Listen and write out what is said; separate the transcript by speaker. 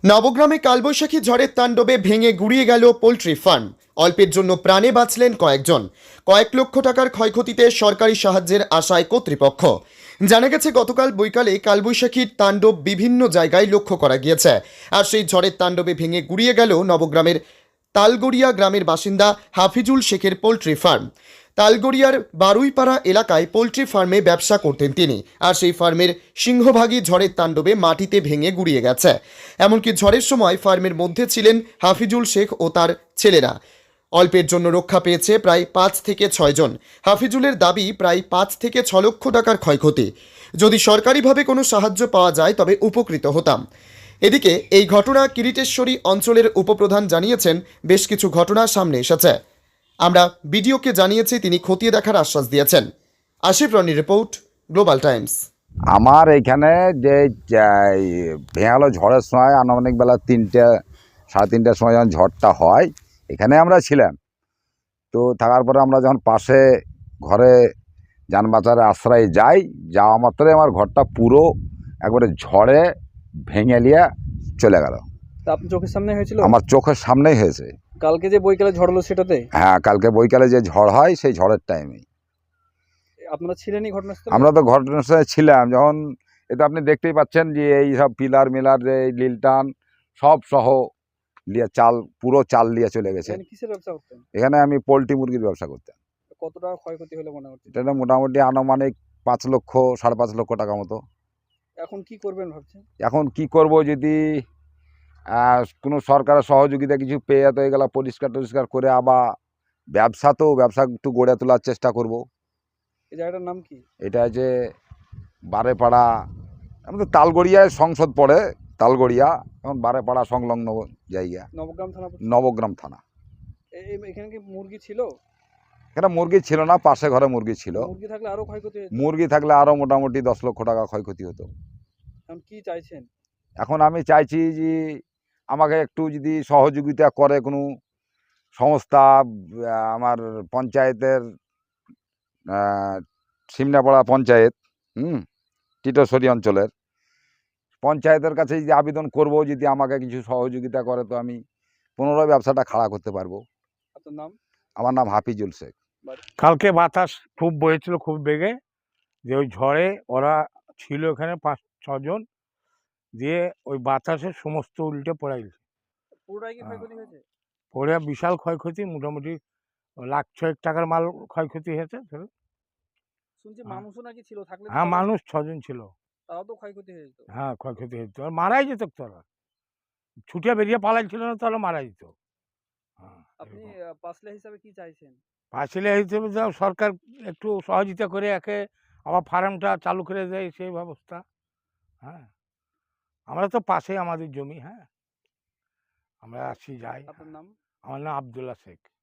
Speaker 1: নবগ্রামে কালবৈশাখী ঝড়ের তাণ্ডবে ভেঙে গুড়িয়ে গেল পোল্ট্রি ফার্ম। অল্পের জন্য প্রাণে বাঁচলেন কয়েকজন। কয়েক লক্ষ টাকার ক্ষয়ক্ষতিতে সরকারি সাহায্যের আশায় কর্তৃপক্ষ। জানা গেছে, গতকাল বৈকালে কালবৈশাখীর তাণ্ডব বিভিন্ন জায়গায় লক্ষ্য করা গিয়েছে। আর সেই ঝড়ের তাণ্ডবে ভেঙে গুড়িয়ে গেল নবগ্রামের তালগড়িয়া গ্রামের বাসিন্দা হাফিজুল শেখের পোল্ট্রি ফার্ম। তালগড়িয়ার বারুইপাড়া এলাকায় পোল্ট্রি ফার্মে ব্যবসা করতেন তিনি। আর সেই ফার্মের সিংহভাগই ঝড়ের তাণ্ডবে মাটিতে ভেঙে গুড়িয়ে গেছে। এমনকি ঝড়ের সময় ফার্মের মধ্যে ছিলেন হাফিজুল শেখ ও তার ছেলেরা। অল্পের জন্য রক্ষা পেয়েছে প্রায় 5 থেকে 6 জন। হাফিজুলের দাবি, প্রায় 5 থেকে 6 লক্ষ টাকার ক্ষয়ক্ষতি। যদি সরকারিভাবে কোনো সাহায্য পাওয়া যায় তবে উপকৃত হতাম। এদিকে এই ঘটনা কিরিটেশ্বরী অঞ্চলের উপপ্রধান জানিয়েছেন, বেশ কিছু ঘটনা সামনে এসেছে। আমরা বিডিওকে জানিয়েছি, তিনি খতিয়ে দেখার আশ্বাস দিয়েছেন। আশিফ রনির রিপোর্ট, গ্লোবাল টাইমস।
Speaker 2: আমার এইখানে যে ভেঙালো ঝড়ের সময় আনুমানিক বেলা 3টে সাড়ে 3টার সময় যখন ঝড়টা হয়, এখানে আমরা ছিলাম। তো থাকার পরে আমরা যখন পাশে ঘরে যান বাঁচারে আশ্রয়ে যাওয়া মাত্রই আমার ঘরটা পুরো একবারে ঝড়ে ভেঙে নিয়ে চলে গেল।
Speaker 3: তা আপনার চোখের সামনে হয়েছিল?
Speaker 2: আমার চোখের সামনেই হয়েছে।
Speaker 3: কালকে যে বৈকালে ঝড় হলো সেটাতে?
Speaker 2: হ্যাঁ, কালকে বৈকালে যে ঝড় হয় সেই ঝড়ের টাইমেই
Speaker 3: আপনারা ছিলেনই ঘটনাস্থলে?
Speaker 2: আমরা তো ঘটনাস্থলে ছিলাম। যখন এটা আপনি দেখতেই পাচ্ছেন যে এই সব পিলার মিলার যে লিলটান সব সহ লিয়ে চাল, পুরো চাল নিয়ে চলে গেছে।
Speaker 3: এখানে কিসের ব্যবসা করতেন?
Speaker 2: এখানে আমি পোলট্রি মুরগির ব্যবসা করতাম।
Speaker 3: কত টাকা ক্ষয়ক্ষতি হলো মনে হচ্ছে?
Speaker 2: এটা মোটামুটি আনুমানিক 5 লক্ষ 5.5 লক্ষ টাকা মতো।
Speaker 3: এখন কি করবেন ভাবছেন?
Speaker 2: এখন কি করব, যদি কোনো সরকারের সহযোগিতা কিছু পেয়ে তো এগুলো পরিষ্কার করে আবার ব্যবসা একটু গড়ে তোলার চেষ্টা করব।
Speaker 3: এই জায়গাটার নাম কি?
Speaker 2: এটা যে বারেপাড়া, আমাদের তালগড়িয়ায় সংসদ পড়ে, তালগড়িয়া এখন বারেপাড়া সংলগ্ন জায়গা,
Speaker 3: নবগ্রাম থানা পড়ছে?
Speaker 2: নবগ্রাম থানা।
Speaker 3: এখানে কি মুরগি ছিল?
Speaker 2: এখানে মুরগি ছিল না, পাশে ঘরে মুরগি ছিল।
Speaker 3: মুরগি থাকলে আরো ক্ষয়ক্ষতি হতো।
Speaker 2: মুরগি থাকলে আরও মোটামুটি 10 লক্ষ টাকা ক্ষয়ক্ষতি হতো।
Speaker 3: এখন কি চাইছেন?
Speaker 2: এখন আমি চাইছি যে আমাকে একটু যদি সহযোগিতা করে কোনো সংস্থা, আমার পঞ্চায়েতের সিমনাপাড়া পঞ্চায়েত, টিটোশ্বরী অঞ্চলের পঞ্চায়েতের কাছে যদি আবেদন করব, যদি আমাকে কিছু সহযোগিতা করে তো আমি পুনরায় ব্যবসাটা খাড়া করতে পারবো।
Speaker 3: আপনার নাম?
Speaker 2: আমার নাম হাফিজুল শেখ।
Speaker 4: কালকে বাতাস খুব বয়েছিল, খুব বেগে, যে ওই ঝড়ে ওরা ছিল এখানে 5-6 জন, দিয়ে ওই বাতাসে সমস্ত উল্টে পড়ে গেছে।
Speaker 3: পুরোটাই কি ক্ষয়ক্ষতি হয়েছে?
Speaker 4: পড়ে বিশাল ক্ষয়ক্ষতি, মোটামুটি 1,00,000 টাকার মাল ক্ষয়ক্ষতি হয়েছে।
Speaker 3: শুনছি
Speaker 4: হ্যাঁ।
Speaker 3: মানুষও নাকি ছিল, থাকলে তো
Speaker 4: হ্যাঁ,
Speaker 3: তাহলে
Speaker 4: মানুষ 6 জন ছিল।
Speaker 3: তাও তো ক্ষয়ক্ষতি হয়ে যেত।
Speaker 4: হ্যাঁ, ক্ষয়ক্ষতি হয়েছে, আর মারাই যেত তোরা, ছুটে বেরিয়ে পালাইছিল না, তাহলে মারা যেত। হ্যাঁ,
Speaker 3: আপনি পাসলে হিসাবে কি চাইছেন?
Speaker 4: পাঁচিলে হিসেবে যাও, সরকার একটু সহযোগিতা করে একে আবার ফার্মটা চালু করে দেয়, সেই ব্যবস্থা। হ্যাঁ, আমরা তো পাশেই আমাদের জমি। হ্যাঁ, আমরা আসি যাই।
Speaker 3: আপনার নাম?
Speaker 4: আমার নাম আব্দুল্লাহ শেখ।